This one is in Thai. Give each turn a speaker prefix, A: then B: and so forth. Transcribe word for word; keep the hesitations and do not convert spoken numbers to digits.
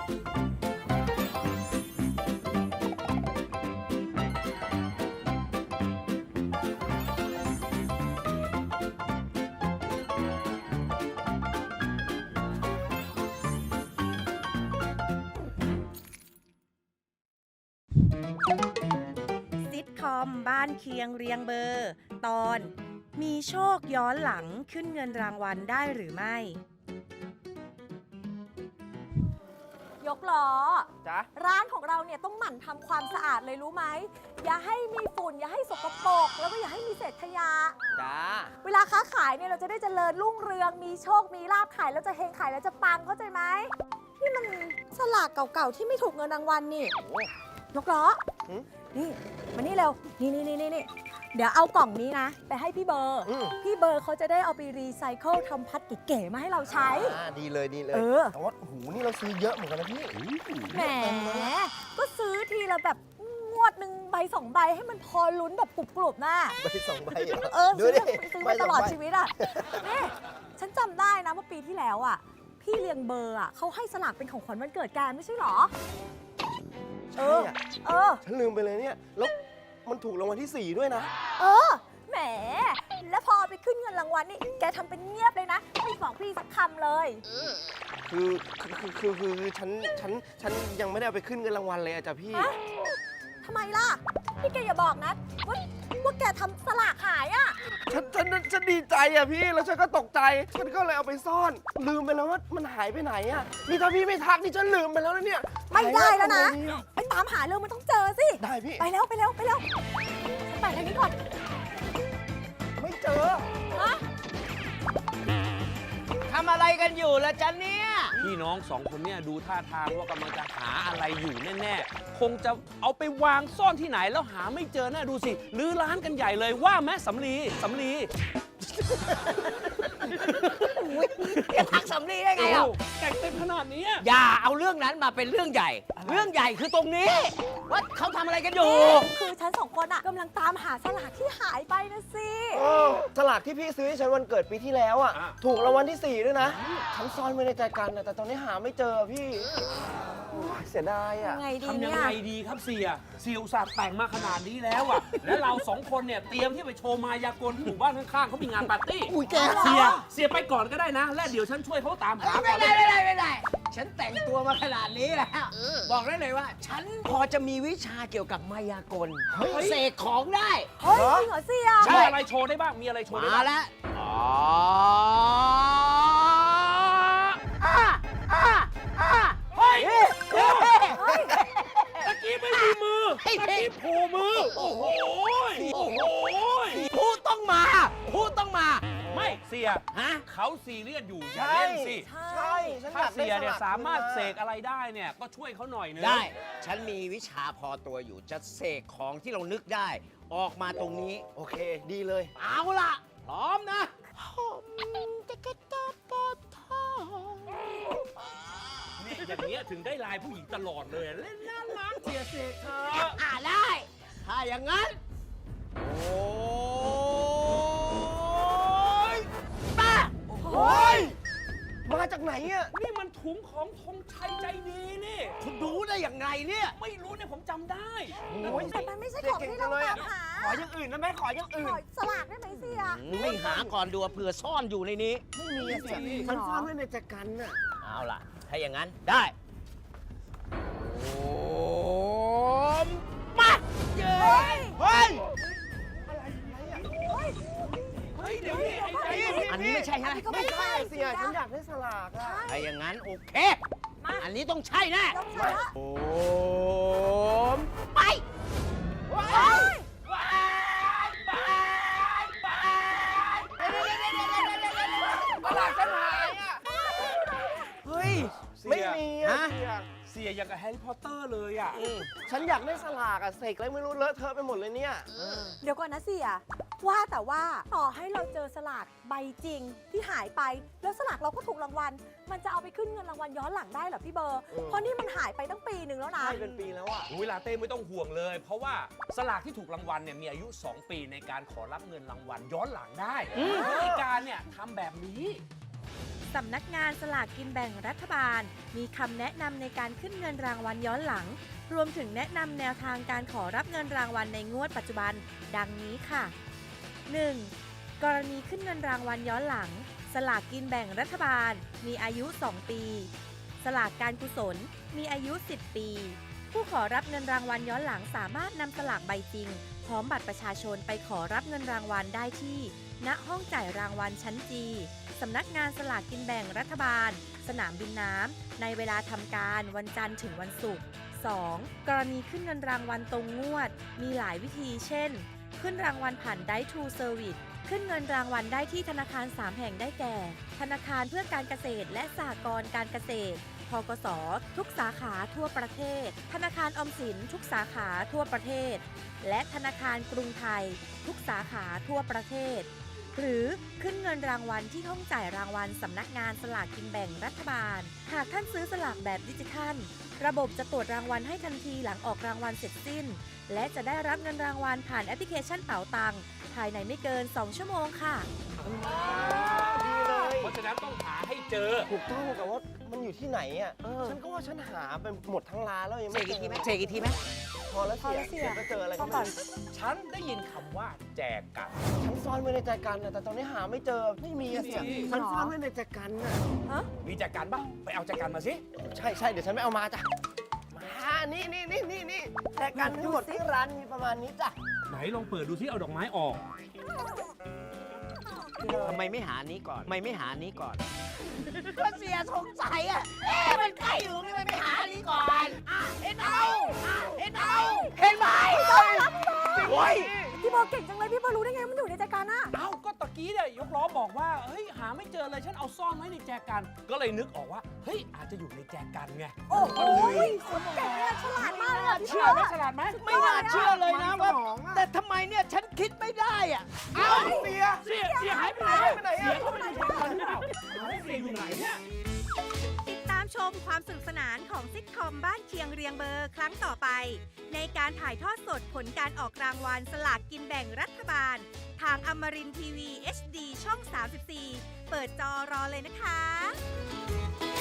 A: ซิทคอมบ้านเคียงเรียงเบอร์ตอนมีโชคย้อนหลังขึ้นเงินรางวัลได้หรือไม่
B: ยกล้อ
C: จ๊ะ
B: ร้านของเราเนี่ยต้องหมั่นทำความสะอาดเลยรู้ไหมอย่าให้มีฝุ่นอย่าให้สกปรกแล้วก็อย่าให้มีเศษขยะ
C: จ้า
B: เวลาค้าขายเนี่ยเราจะได้เจริญรุ่งเรืองมีโชคมีลาภขายแล้วจะเฮงขายแล้วจะปังเข้าใจไหมนี่มันสลากเก่าๆที่ไม่ถูกเงินรางวัลนี่ยกล้อนี่มานี่เร็วนี่นี่นี่นี่เดี๋ยวเอากล่องนี้นะไปให้พี่เบอร์พี่เบอร์เขาจะได้เอาไปรีไซเคิลทำพัดเก๋ๆมาให้เราใช้
C: อ่าดีเลยดีเลย
B: เออ
C: แต่ว่าหูนี่เราซื้อเยอะเหมือนกันนะพี่
B: แหมก็ซื้อทีละแบบงวดหนึ่งใบสองใบให้มันพอลุ้นแบบกรุบๆน่ะ
C: ใบสองใบเหรอ
B: เออ
C: ดู
B: ซื้อ
C: ดิ
B: ซื้อ
C: ใบ
B: มา
C: ส
B: ต
C: อง
B: ลอด
C: ใบ
B: ชีวิตอ่ะนี่ฉันจำได้นะว่าปีที่แล้วอ่ะพี่เลี้ยงเบอร์อ่ะเขาให้สลากเป็นของขวัญวันเกิดแกไม่ใช่หรอเอ
C: ใช่
B: อ
C: อะ
B: เออ
C: ฉันลืมไปเลยเนี่ยแล้วมันถูกรางวัลที่สี่ด้วยนะ
B: เออแหมแล้วพอไปขึ้นเงินรางวัลนี่แกทำเป็นเงียบเลยนะไม่บอกพี่สักคำเลย
C: คือคือคือคือคือฉันฉันฉันยังไม่ได้เอาไปขึ้นเงินรางวัลเลยอะจ้ะพี่
B: ฮะทำไมล่ะพี่แกอย่าบอกนะว่าว่าแกทำสลากหายอ่ะ
C: ฉันฉันฉันดีใจอะพี่แล้วฉันก็ตกใจฉันก็เลยเอาไปซ่อน ลืมไปแล้วว่ามันหายไปไหนอะนี่ถ้าพี่ไม่ทักนี่ฉันลืมไปแล้วนะเนี่ย
B: ไม่ได้แล้วนะ
C: หายไปไห
B: ไปตามหาเรื่องมันต้องเจอสิ
C: ได้พี่
B: ไปแล้วไปแล้วไปแล้วฉันไปทางนี้ก่อน
C: ไม่เจอ
B: ฮะ
D: ทำอะไรกันอยู่ล่ะจ๊ะเนี่ย
E: พี่น้องสองคนเนี่ยดูท่าทางว่ากำลังจะหาอะไรอยู่แน่ๆ คงจะเอาไปวางซ่อนที่ไหนแล้วหาไม่เจอแน่ดูสิรื้อร้านกันใหญ่เลยว่าแม่สำลีสำลี
D: แกทักสำลีได้ไงอ่ะ
E: โอ้แต่งเต็มขนาดนี้
D: อย่าเอาเรื่องนั้นมาเป็นเรื่องใหญ่ เรื่องใหญ่คือตรงนี้ ว่าเขาทำอะไรกันอยู่
B: คือฉันสองคนอะกำลังตามหาสลากที่หายไปนะสิ
C: เออสลากที่พี่ซื้อให้ฉันวันเกิดปีที่แล้วอ่ะ ถูกรางวัลที่สี่ด้วยนะ ฉันซ่อนไว้ในใจกันนะแต่ตอนนี้หาไม่เจอพี่โอ้ยเสียดายอ่ะ
B: ยังไงดี
E: ทำยั
B: เนี่
E: ง
B: ย
E: ไงดีครับเสียเสียอุตส่าห์แต่งมาขนาดนี้แล้วอ่ะ และเราสองคนเนี่ยเตรียมที่ไปโชว์มายากลที่หมู่บ้านข้างๆเขามีงานปาร์ตี้
C: อุ้ยแก
E: เสียเสียไปก่อนก็ได้นะ และเดี๋ยวฉันช่วยเขาตามหาก่
D: ไม่
E: อน
D: ได้ไม่ได้ไม่ได้ ฉันแต่งตัวมาขนาดนี้แล้ว บอกได้เลยว่า ฉันพอจะมีวิชาเกี่ยวกับมายากลเสกของได้
B: เฮ้ยจริงเหรอเสีย
D: ใช่
E: มีอะไรโชว์ได้บ้าง มีอะไรโชว์ได้
D: มา
E: บ้าง
D: แล้วอ๋ออ่ะอ่ะอ่ะ
E: เฮ้ย
D: เฮ้ย
B: เฮ้ย
E: ตะกี้ไม่มีมือ
D: เฮ้ย
E: ตะกี้โผล่มือ โอ้โหโอ้โห
D: พูดต้องมา พูดต้องมา
E: ไม่เสีย
D: ฮะ
E: เขาซีเรียสอยู่อย่า
C: ใช่
E: เล่นสิ
C: ใช่ฉันอ
E: ถ้าย
C: ากได้
E: เสียเนี่ย
C: ลก
E: สามารถ
C: คืน
E: เสกอะไรได้เนี่ยก็ช่วยเขาหน่อยนึง
D: ได้ ฉันมีวิชาพอตัวอยู่ จะเสกของที่เรานึกได้ ออกมาตรงนี้
C: โอเค ดีเลย
D: เอาล่ะ พร้อมนะ
E: นี่อย่างเงี้ยถึงได้ลายผู้หญิงตลอดเลย เล่นน่ารักเสียเสกเธอ
D: อ่าได้ ถ้าอย่างนั้น โอ้ยป้า
C: โอ้ย มาจากไหนอ่ะ
E: นี่มันถุงของธงชัยใจดีนี่
D: คุณรู้ได้อย่างไรเนี่ย
E: ไม่รู้เนี่ยผมจำได้
C: โอ้ย
B: แต่มันไม่ใช่ของที่เราตามหา
C: ขออย่างอื่นนะแม่ขออย่างอื่
B: ข
C: น
B: อสลากได้ไหมเสีย
D: ไม่หาก่อนดูว่าเผื่อซ่อนอยู่ในนี้
C: ไม่มีอะเสียฉันซ่อนไว้ในใจกันน่ะ
D: เอาล่ะ ถ้าอย่างนั้นได้ โอ้มปัดเย้
C: เฮ้ย
E: เฮ้ยเดี๋ยวนี้ไอ้ใจ
D: อันนี้ไม่ใช่ใช่ไหม
C: ไม่ใช่เสียฉันอยากได้สลากอ่ะ
D: ถ้าอย่างนั้นโอเค
B: มา
D: อันนี้ต้องใช่แน่
B: ต้องใช่ละ
D: โอ้มไป
B: เฮ้ย
C: สลากฉันหายอ่ะ
D: เฮ้ย
C: ไม่มีอ่ะ
D: ฮะ
C: เสีย
E: เสียอย่างกับแฮร์รี่พอตเตอร์เลยอ่ะ
C: ฉันอยากได้สลากอ่ะเสกอะไรไม่รู้เลอะเทอะไปหมดเลยเนี่ย
B: เดี๋ยวก่อนนะเสียว่าแต่ว่าต่อให้เราเจอสลากใบจริงที่หายไป แล้วสลากเราก็ถูกรางวัล มันจะเอาไปขึ้นเงินรางวัลย้อนหลังได้เหรอพี่เบอร์
C: เออ
B: เพราะนี่มันหายไปตั้งปีหนึ่งแล้วนะ
C: ใช่เป็นปีแล้วอ่ะ
E: เวลาเต้ไม่ต้องห่วงเลย เพราะว่าสลากที่ถูกรางวัลเนี่ยมีอายุ สอง ปีในการขอรับเงินรางวัลย้อนหลังได้วิธีการเนี่ยทำแบบนี้
A: สำนักงานสลากกินแบ่งรัฐบาล มีคำแนะนำในการขึ้นเงินรางวัลย้อนหลัง รวมถึงแนะนำแนวทางการขอรับเงินรางวัลในงวดปัจจุบัน ดังนี้ค่ะ หนึ่ง. กรณีขึ้นเงินรางวัลย้อนหลัง สลากกินแบ่งรัฐบาล มีอายุ สอง ปี สลากการกุศล มีอายุ สิบ ปี ผู้ขอรับเงินรางวัลย้อนหลังสามารถนำสลากใบจริง พร้อมบัตรประชาชนไปขอรับเงินรางวัลได้ที่ ณ ห้องจ่ายรางวัลชั้นจี สำนักงานสลากกินแบ่งรัฐบาล สนามบินน้ำ ในเวลาทำการวันจันทร์ถึงวันศุกร์ สอง. กรณีขึ้นเงินรางวัลตรงงวด มีหลายวิธีเช่น ขึ้นรางวัลผ่าน Dai to Service ขึ้นเงินรางวัลได้ที่ธนาคาร สาม แห่งได้แก่ ธนาคารเพื่อการเกษตรและสหกรณ์การเกษตร ธกส. ทุกสาขาทั่วประเทศ ธนาคารออมสินทุกสาขาทั่วประเทศ และธนาคารกรุงไทย ทุกสาขาทั่วประเทศ หรือขึ้นเงินรางวัลที่ห้องจ่ายรางวัลสำนักงานสลากกินแบ่งรัฐบาล หากท่านซื้อสลากแบบดิจิทัล ระบบจะตรวจรางวัลให้ทันทีหลังออกรางวัลเสร็จสิ้น และจะได้รับเงินรางวัลผ่านแอปพลิเคชันเป๋าตังค์ภายในไม่เกิน สอง ชั่วโมงค่ะ
C: ดีเลย
E: เพราะฉะนั้นต้องหาให้เจอ
C: ถูกต้องแต่ว่ามันอยู่ที่ไหนอ่ะ ฉันก็ว่าฉันหาไปหมดทั้งร้านแล้วยัง
D: เส
C: ไม่
D: ก
C: เจ
D: อีกทีไหม
C: อ
D: เสกอีกทีไหม
C: พอแล้ว
B: พอ
C: เสีย
B: แล้วเสีย
C: เดี๋ยวจะเจออะไรก็
B: พอ
C: ไม่
B: ก่อน
C: รู้
E: ฉันได้ยินคำว่าแจกัน
C: ฉันซ่อนไว้ในใจกันนะแต่ตอนนี้หาไม่เจอ ไม่มีอะเสีย
E: ไม่มี
C: ฉันซ่อนไว้ในใจกันน่ะ
B: ฮะ
E: มีแจกันปะไปเอาแจกันมาสิ
C: ใช่ใช่เดี๋ยวฉันไม่เอามาจ้ะ มานี่นี่นี่นี่นี่ใจกันทั้งหมดที่ร้านมีประมาณนี้จ้ะ
E: ไหนลองเปิดดูที่เอาดอกไม้ออก
D: ทำไมไม่หานี้ก่อนทำไมไม่หานี้ก่อนก็เสียสงสัยอ่ะ เอ๊ะมันใกล้อยู่นี่มันไม่หานี้ก่อนอ่ะเห็นเอาอ่ะเห็นเอาเห็นไหมโอ้ย
B: พี่เบอร์เก่งจังเลยพี่เบอร์รู้ได้ไงมันอยู่ในใจกันอะ
E: เอ้าก็ตะกี้เนี่ยยกล้อบอกว่าเฮ้ยหาไม่เจอเลยฉันเอาซ่อนไว้ในแจกัน ก็เลยนึกออกว่าเฮ้ยอาจจะอยู่ในแจกันไง
B: โอ้โหคนเก่งเลยฉลาดมากเลยอะพี่
E: เชื่อ
B: เบอ
E: ไหม
B: ร์
E: ฉลาดไหม
D: ไม่น่าเชื่อเลยนะว่า แต่ทำไมเนี่ยฉันคิดไม่ได้อ่ะ
C: เอ้าเสีย
E: เสียเสียหายไปไหน
C: ไปไหนอะ
E: เสียเข้าไปในแจกันหรือเปล่าเฮ้ยเสียอยู่ไหนเนี่ย
A: ติดตามชมความสนุกสนานของซิทคอมบ้านเคียงเรียงเบอร์ครั้งต่อไป ในการถ่ายทอดสดผลการออกรางวัลสลากกินแบ่งรัฐบาล ทางอมรินทร์ทีวี เอช ดี ช่อง สามสิบสี่ เปิดจอรอเลยนะคะ